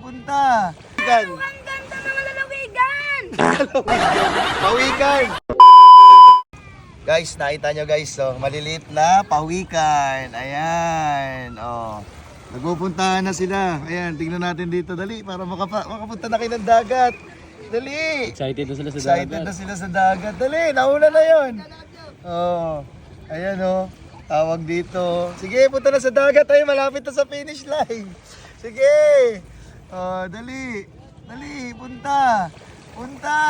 punta. Ang ganda mga lalawigan! Pawikan! Guys, nakita nyo guys, oh, maliliit na pawikan. Ayan, oh. Nagpupuntahan na sila. Ayan, tingnan natin dito. Dali, para makapunta na kayo ng dagat. Dali! Excited na sila sa Excited na sila sa dagat. Dali, nauna na yun. Oh, ayan oh. Tawag dito. Sige, punta na sa dagat. Ay, malapit na sa finish line. Sige. Oh, dali. Dali, punta. Punta.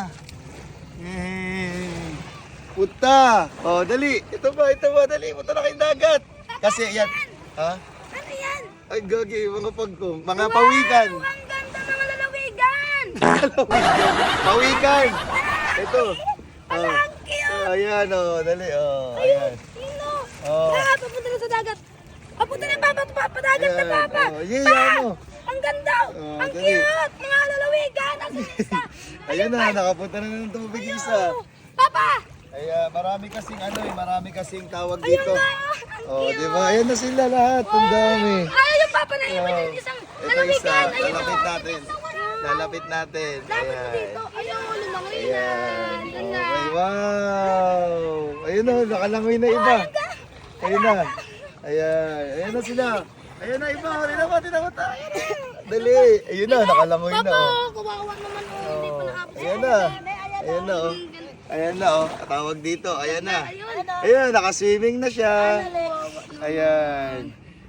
Yay. Punta. Oh, dali. Ito ba, dali. Punta na kayong dagat. Kasi, yan. Ha? Ano yan? Ay, gagi, mga pagkong. Mga pawikan. Ang ganda mga lalawigan! Pawikan. Ito. Ala, ang cute! Ayan, oh, dali. Oh, ayan. Sino? Oh. Papunta na sa dagat. Papunta na papadagat na Ayan, papa. oh, yeah, mo. Ang ganda! Oh, Ang dali. cute! Mga lalawigan! Ang isa! Ayan na, nakapunta na ng tubig isa. Papa! Ay, marami kasing tawag dito. na! Oh, di ba? Ayan na sila lahat. Ang dami. Ay, yung papa na yun! Oh. Yung isang Ito isa, lalawigan! Ayun lalapit o! natin. Lalapit natin. Lapit mo Ayan. dito! Ayun, lumangoy na! Ayan. Yan na! Okay, wow. Ayun na, nakalangoy na iba. Ayun na. Ayan. Ayan na sila. Ayan na iba. Tinawat tayo. Dali. Ayun na, nakalangoy na. Papa! Oh. Kawawa naman o! Hindi pa nakapos. Ayan na. Ayan na, oh. Ayan na, oh. Tawag dito. Ayan na. Ayun! Ayan, nakaswimming na siya. Ayan.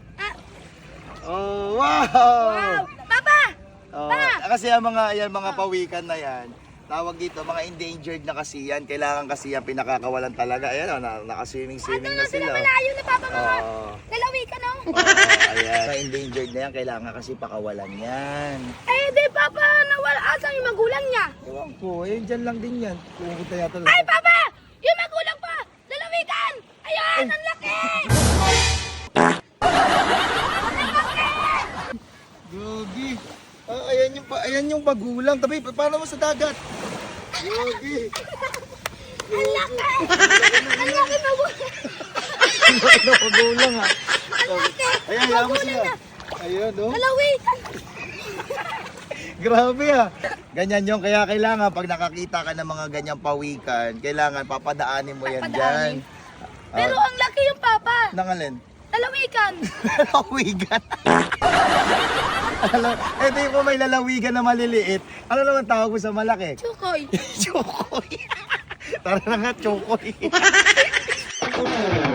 Oh, wow! Wow! Papa! Oh, kasi ang mga pawikan na yan, tawag dito, mga endangered na kasi yan. Kailangan kasi yan pinakakawalan talaga. Ayan, oh, nakaswimming na Sila sila. malayo na papa mga Oh. lalawigan o! Oh, ayan. Mga endangered na yan, kailangan kasi pakawalan yan. Eh, di papa, nawala asan yung magulang niya? Ewan ko, ayun dyan lang din yan. Pumunta yata lang. Ay, papa! Yung magulang pa! Lalawigan! Ayan, ang laki! Gogi. Ah, ayan yung magulang. Tabi, paano mo sa dagat? Gogi. Ang laki! Ang laki magulang! Ano magulang ha? Ayan, ayan mo sila. Ayan, oh. Lalawigan! Grabe ha. Ganyan yung kaya kailangan pag nakakita ka ng mga ganyang pawikan, kailangan papadaanin mo yan dyan. Pero ang laki yung papa! Nangalin? Lalawigan! Lalawigan. Ito yung may lalawigan na maliliit. Ano naman tawag mo sa malaki? Chukoy! Chokoy. Tara na nga, chokoy.